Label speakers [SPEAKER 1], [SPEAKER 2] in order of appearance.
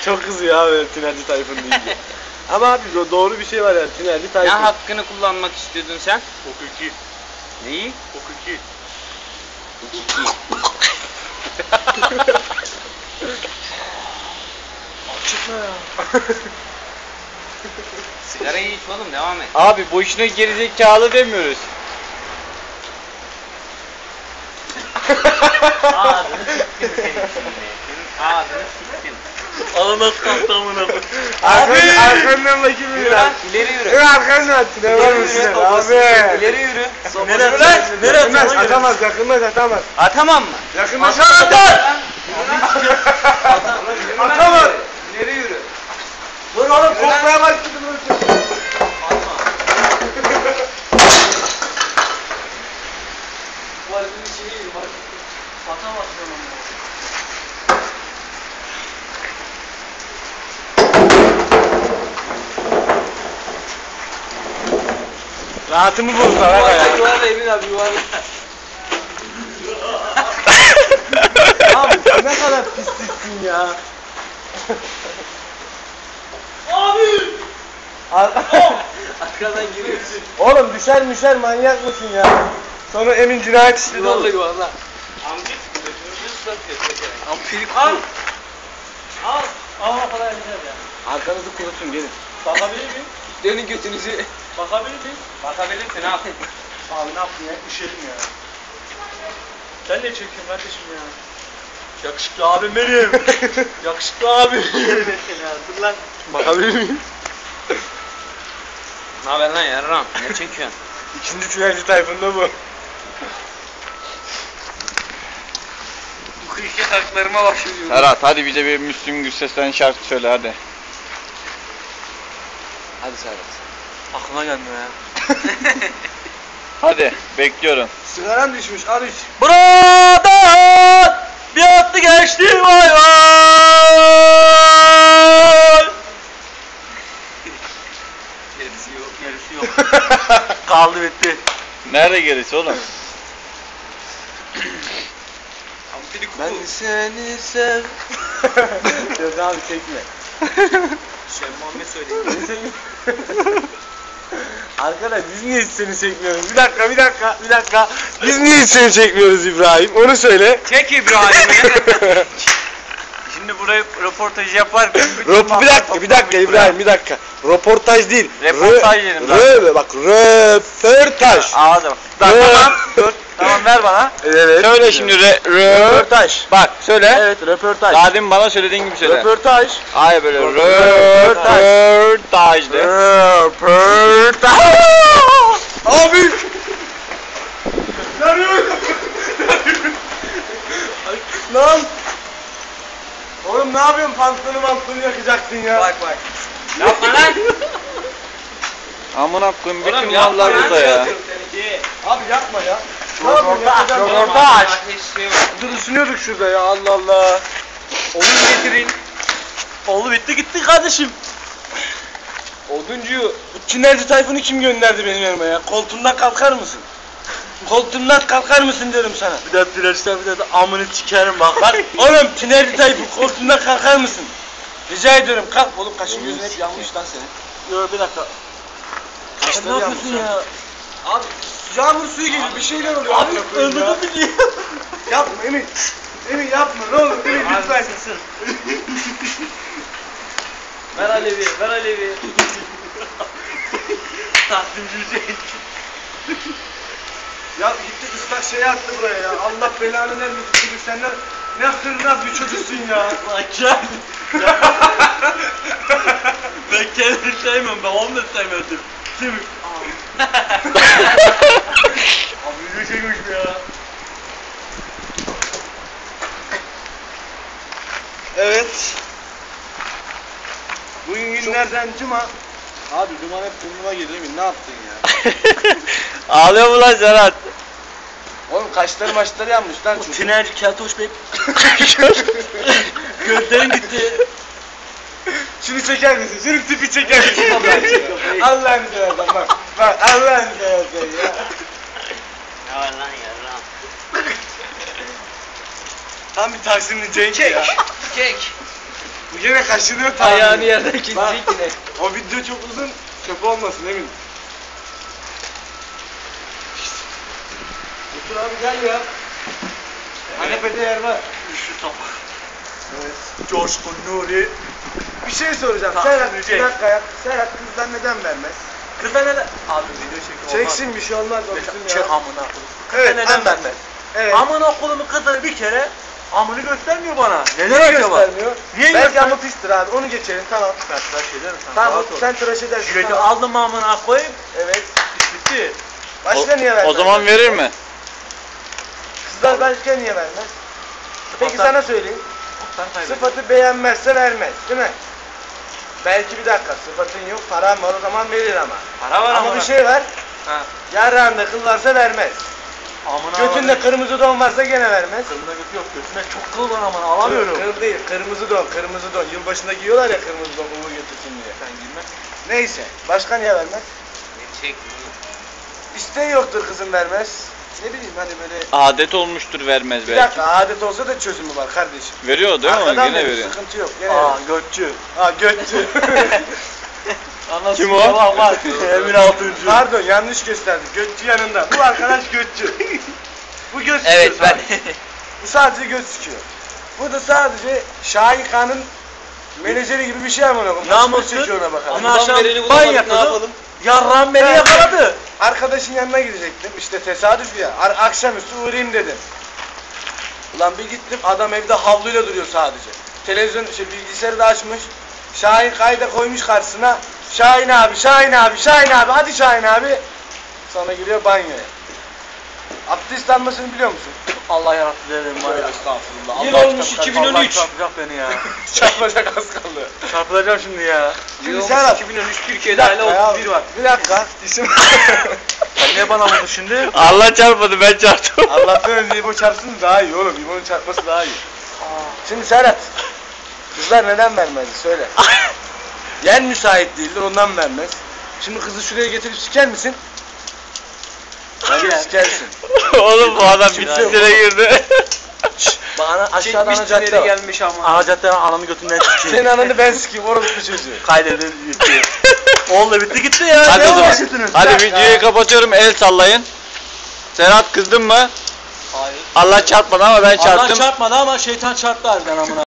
[SPEAKER 1] çok kızıyor abi Tinerci Tayfun deyince. Ama abi doğru bir şey var yani Tinerci Tayfun.
[SPEAKER 2] Ne hakkını kullanmak istiyordun sen?
[SPEAKER 3] Hukuki.
[SPEAKER 2] Neyi?
[SPEAKER 3] Hukuki.
[SPEAKER 1] Çıkma ya.
[SPEAKER 2] Sigarayı iç oğlum, devam et.
[SPEAKER 4] Abi boşuna gerizekalı demiyoruz.
[SPEAKER 2] Ağzını siktim senin şimdi. Senin ağzını siktim.
[SPEAKER 3] Ananas kalktı amına.
[SPEAKER 1] Arkandan bakayım
[SPEAKER 2] Yürü lan, ileri yürü.
[SPEAKER 1] Evet arkandan Tiner var mısın abi?
[SPEAKER 2] İleri yürü.
[SPEAKER 3] Nereye lan? Nereye
[SPEAKER 1] Yakınlaş atamaz yakınlaş atamaz.
[SPEAKER 2] Atamam mı?
[SPEAKER 1] Yakınlaş atamaz. Atamaz.
[SPEAKER 2] İleri yürü.
[SPEAKER 1] Dur oğlum korkmaya başladım.
[SPEAKER 3] Tuvaletin içine gir bak. Atamazsın onu.
[SPEAKER 1] Rahatımı bozdular aga ya.
[SPEAKER 3] Yuvarla Emin abi yuvarla.
[SPEAKER 1] Abi sen ne kadar pisliksin ya.
[SPEAKER 3] Abi!
[SPEAKER 1] Arkadan giriyorsun. Oğlum düşer manyak mısın ya? Sonra Emin cinayet işledi
[SPEAKER 3] Yuvarla
[SPEAKER 1] oğlum.
[SPEAKER 3] yuvarla.
[SPEAKER 2] Amcık.
[SPEAKER 3] Ampirik al. Al. Al falan güzel ya.
[SPEAKER 1] Arkanızı kurutun gelin.
[SPEAKER 3] Bakabilir miyim?
[SPEAKER 2] Dönün götünüzü.
[SPEAKER 3] Bakabilir miyim?
[SPEAKER 2] Bakabilirsin al.
[SPEAKER 1] Abi ne yaptın ya? Üşedim ya.
[SPEAKER 3] Sen ne çekiyorsun kardeşim ya? Yakışıklı abim benim. Yakışıklı abim. Dur lan.
[SPEAKER 1] Bakabilir miyim?
[SPEAKER 2] Ne haber lan yarram? Ne çekiyorsun?
[SPEAKER 1] İkinci Tinerci Tayfun'da bu.
[SPEAKER 3] Bu kıyıki haklarıma başlıyorum.
[SPEAKER 4] Serhat hadi bize bir Müslüm Gürses'ten şarkı söyle hadi.
[SPEAKER 1] Hadi Serhat.
[SPEAKER 3] Aklıma gelmiyor ya.
[SPEAKER 4] Hadi bekliyorum.
[SPEAKER 1] Sigaran düşmüş al iç.
[SPEAKER 3] Buradan bir attı geçti vay vay. Gerisi yok. Gerisi yok. Kaldı bitti.
[SPEAKER 4] Nerede gerisi oğlum?
[SPEAKER 1] Ben seni sev. Yok abi çekme.
[SPEAKER 3] Şey Muhammed söyleyeyim.
[SPEAKER 1] Arkadaş biz niye hiç seni çekmiyoruz? Bir dakika. Biz niye hiç seni çekmiyoruz İbrahim? Onu söyle.
[SPEAKER 2] Çek İbrahim'i.
[SPEAKER 3] Şimdi buraya röportaj yaparken
[SPEAKER 1] Bir dakika İbrahim bir dakika. Röportaj değil.
[SPEAKER 2] Röportaj dedim
[SPEAKER 1] Bak röportaj.
[SPEAKER 2] Ağzım.
[SPEAKER 1] Tamam.
[SPEAKER 2] Dur. Tamam ver bana.
[SPEAKER 1] Evet.
[SPEAKER 4] Söyle şimdi
[SPEAKER 1] Röportaj.
[SPEAKER 4] Bak söyle.
[SPEAKER 1] Evet röportaj.
[SPEAKER 4] Daha demin bana söylediğin gibi söyle.
[SPEAKER 1] Röportaj.
[SPEAKER 4] Hayır böyle
[SPEAKER 1] Röportaj.
[SPEAKER 4] röportaj de.
[SPEAKER 1] Röportaj. Abi. Lan. Oğlum ne yapıyorsun? Pantolonu yakacaksın ya.
[SPEAKER 3] bak.
[SPEAKER 2] Yapma lan.
[SPEAKER 4] Amına koyayım bütün
[SPEAKER 2] Oğlum yapma
[SPEAKER 4] mallar
[SPEAKER 2] lan.
[SPEAKER 4] burada ya.
[SPEAKER 1] Abi yapma ya. Ne yapıyorsun? Yakacağım.
[SPEAKER 2] Röportaj. Ateşi.
[SPEAKER 1] Dur ısınıyorduk şurada ya Allah Allah.
[SPEAKER 3] Onu getirin. Oldu bitti gitti kardeşim.
[SPEAKER 1] Oduncuyu, bu Tinerci Tayfun'u kim gönderdi benim yanıma ya? Koltuğumdan kalkar mısın? Koltuğumdan kalkar mısın diyorum sana.
[SPEAKER 3] Bir daha dilersen bir daha da amını sikerim bak.
[SPEAKER 1] Bak oğlum Tinerci Tayfun koltuğumdan kalkar mısın? Rica ediyorum kalk. Oğlum kaşın gözün hep yanmış lan senin.
[SPEAKER 3] Yok bir dakika.
[SPEAKER 1] Kaşları
[SPEAKER 3] Ne yapıyorsun
[SPEAKER 1] yanmış
[SPEAKER 3] ya?
[SPEAKER 1] Abi yağmur suyu gibi bir şeyler oluyor.
[SPEAKER 3] Abi
[SPEAKER 1] amına koyayım ya.
[SPEAKER 3] öldürdün beni.
[SPEAKER 1] Yapma Emin. Emin yapma ne olur Emin lütfen.
[SPEAKER 3] Ver Alevi, ver Alevi. Takdimci Hüseyin.
[SPEAKER 1] Ya gitti ıslak şey attı buraya ya. Allah belanı vermesin çünkü senden ne hırnaz bir çocuksun ya.
[SPEAKER 3] Lan gel. Ben kendimi sevmiyorum, ben onu da sevmedim. Kim?
[SPEAKER 1] Abi ne çekmiş bu ya. Evet. Bugün günlerden cuma. Abi duman hep burnuma girdi Emin ne yaptın ya?
[SPEAKER 4] Ağlıyor mu lan Serhat?
[SPEAKER 1] Oğlum kaşları maçları yanmış lan çocuk.
[SPEAKER 3] Tinerci Keltoş Bey. Gözlerin gitti.
[SPEAKER 1] Şunu çeker misin? Şunu tipi çeker misin? Allah'ını seversen bak. Bak Allah'ını seversen ya.
[SPEAKER 2] Ne var lan yarram?
[SPEAKER 1] Tam bir Taksimli Cenk ya.
[SPEAKER 2] Çek.
[SPEAKER 1] Bu gene kaşınıyor tamam.
[SPEAKER 3] Ayağını yerden
[SPEAKER 1] Bak,
[SPEAKER 3] kesecek yine.
[SPEAKER 1] o video çok uzun, çöp olmasın emin. Otur abi gel ya. Kanepede yer var.
[SPEAKER 3] Şu top.
[SPEAKER 1] Evet.
[SPEAKER 3] Coşkun Nuri.
[SPEAKER 1] Bir şey soracağım.
[SPEAKER 3] Tamam,
[SPEAKER 1] Serhat bir
[SPEAKER 3] Recep.
[SPEAKER 1] dakika ya. Serhat kızlar neden vermez?
[SPEAKER 3] Kızlar neden? Abi video çekim olmaz.
[SPEAKER 1] Çeksin bir şey olmaz o bizim
[SPEAKER 3] Çek
[SPEAKER 1] ya.
[SPEAKER 3] amına koyayım.
[SPEAKER 1] Evet,
[SPEAKER 3] Kızlar neden
[SPEAKER 1] anlat.
[SPEAKER 3] vermez?
[SPEAKER 1] Evet.
[SPEAKER 3] Amına koyduğumun kızları bir kere amını göstermiyor bana. Neden
[SPEAKER 1] Niye
[SPEAKER 3] acaba?
[SPEAKER 1] göstermiyor?
[SPEAKER 3] Niye
[SPEAKER 1] Belki
[SPEAKER 3] göstermiyor?
[SPEAKER 1] ama pistir abi. Onu geçelim tamam.
[SPEAKER 3] Ben tıraş ederim sana.
[SPEAKER 1] Tamam
[SPEAKER 3] rahat ol.
[SPEAKER 1] sen tıraş edersin.
[SPEAKER 3] Jileti
[SPEAKER 1] tamam.
[SPEAKER 3] aldım amına koyayım.
[SPEAKER 1] Evet.
[SPEAKER 3] İş bitti.
[SPEAKER 1] Başka niye vermez?
[SPEAKER 4] O zaman verir mi?
[SPEAKER 1] Kızlar başka niye vermez? Peki
[SPEAKER 3] Sıfatlar-
[SPEAKER 1] sana söyleyeyim.
[SPEAKER 3] Sen kaybettin.
[SPEAKER 1] Sıfatı beğenmezse vermez değil mi? Belki bir dakika sıfatın yok paran var o zaman verir ama.
[SPEAKER 3] Para var
[SPEAKER 1] Ama bir şey var.
[SPEAKER 3] Ha.
[SPEAKER 1] Yarrağında kıl varsa vermez.
[SPEAKER 3] Amına
[SPEAKER 1] Götünde kırmızı don varsa gene vermez.
[SPEAKER 3] Kılında götü yok. Götüne çok kıl var amına alamıyorum.
[SPEAKER 1] Kıl değil kırmızı don kırmızı don. Yılbaşında giyiyorlar ya kırmızı don uğur götürsün diye.
[SPEAKER 3] Sen girme.
[SPEAKER 1] Neyse başka niye vermez?
[SPEAKER 2] Beni çek.
[SPEAKER 1] İsteği yoktur kızın vermez. Ne bileyim hani böyle.
[SPEAKER 4] Adet olmuştur vermez
[SPEAKER 1] Bir
[SPEAKER 4] belki.
[SPEAKER 1] dakika adet olsa da çözümü var kardeşim.
[SPEAKER 4] Veriyor değil mi?
[SPEAKER 1] Arkadan
[SPEAKER 4] Yine
[SPEAKER 1] verir,
[SPEAKER 4] veriyor.
[SPEAKER 1] sıkıntı yok. Gene
[SPEAKER 3] Aa
[SPEAKER 1] verir.
[SPEAKER 3] götçü.
[SPEAKER 1] Ha götçü.
[SPEAKER 4] Kim o?
[SPEAKER 3] Bak bak. Emin Altıncı.
[SPEAKER 1] Pardon yanlış gösterdik. Götçü yanında. Bu arkadaş götçü. Bu göt
[SPEAKER 2] Evet
[SPEAKER 1] sıkıyor
[SPEAKER 2] ben.
[SPEAKER 1] sadece. Bu sadece göt sıkıyor. Bu da sadece Şahika'nın menajeri gibi bir şey ama ona.
[SPEAKER 3] Namussuz.
[SPEAKER 1] çekiyor ona bakalım.
[SPEAKER 3] Ama akşam
[SPEAKER 2] vereni
[SPEAKER 3] ban
[SPEAKER 2] bulamadık, ne
[SPEAKER 3] yapıyordum.
[SPEAKER 2] yapalım?
[SPEAKER 3] Yarram beni
[SPEAKER 1] Ben-
[SPEAKER 3] yakaladı.
[SPEAKER 1] Arkadaşın yanına gidecektim. İşte tesadüf ya. Akşamüstü uğrayayım dedim. Ulan bir gittim adam evde havluyla duruyor sadece. Televizyon bilgisayarı da açmış. Şahin kayda koymuş karşısına. Şahin abi, Şahin abi, Şahin abi, hadi Şahin abi. Sonra giriyor banyoya. Abdest almasını biliyor musun?
[SPEAKER 3] Allah yarattı dedim var ya.
[SPEAKER 1] Estağfurullah.
[SPEAKER 3] Yıl
[SPEAKER 1] Allah
[SPEAKER 3] olmuş
[SPEAKER 1] çarpacak,
[SPEAKER 3] 2013.
[SPEAKER 1] Allah
[SPEAKER 3] Çarpacak beni ya.
[SPEAKER 1] Çarpacak az kaldı.
[SPEAKER 3] Çarpılacağım şimdi ya.
[SPEAKER 1] Şimdi
[SPEAKER 2] Yıl
[SPEAKER 1] Serhat.
[SPEAKER 2] 2013
[SPEAKER 1] Bir
[SPEAKER 2] Türkiye'de
[SPEAKER 1] dakika ya.
[SPEAKER 2] hala 31 var.
[SPEAKER 1] Bir dakika. İsim.
[SPEAKER 3] Sen niye bana vurdun şimdi?
[SPEAKER 4] Allah çarpmadı ben çarptım.
[SPEAKER 1] Allah'tan önce İbo çarpsın daha iyi oğlum. İbo'nun çarpması daha iyi. Şimdi Serhat. Kızlar neden vermez? Söyle. Yen müsait değildir ondan vermez. Şimdi kızı şuraya getirip siker misin? Bence sikersin.
[SPEAKER 4] Oğlum bu adam
[SPEAKER 1] Kimse
[SPEAKER 4] bitkilere girdi.
[SPEAKER 1] Bana aşağıda ana
[SPEAKER 2] Çekmiş
[SPEAKER 1] cadde
[SPEAKER 2] tüneli
[SPEAKER 1] var.
[SPEAKER 2] gelmiş ama.
[SPEAKER 3] Ana caddeden ananı götünden
[SPEAKER 1] Senin
[SPEAKER 3] sikeyim.
[SPEAKER 1] ananı ben sikeyim orospu çocuğu.
[SPEAKER 3] Kaydedin gitti. Oldu bitti gitti ya.
[SPEAKER 4] Hadi
[SPEAKER 3] Ne
[SPEAKER 4] o zaman.
[SPEAKER 3] uğraşıyorsunuz?
[SPEAKER 4] Hadi
[SPEAKER 1] dakika.
[SPEAKER 4] videoyu kapatıyorum. El sallayın. Serhat kızdın mı?
[SPEAKER 2] Hayır.
[SPEAKER 4] Allah çarpmadı ama ben
[SPEAKER 3] Allah
[SPEAKER 4] çarptım.
[SPEAKER 3] çarpmadı ama şeytan çarptı harbiden amına.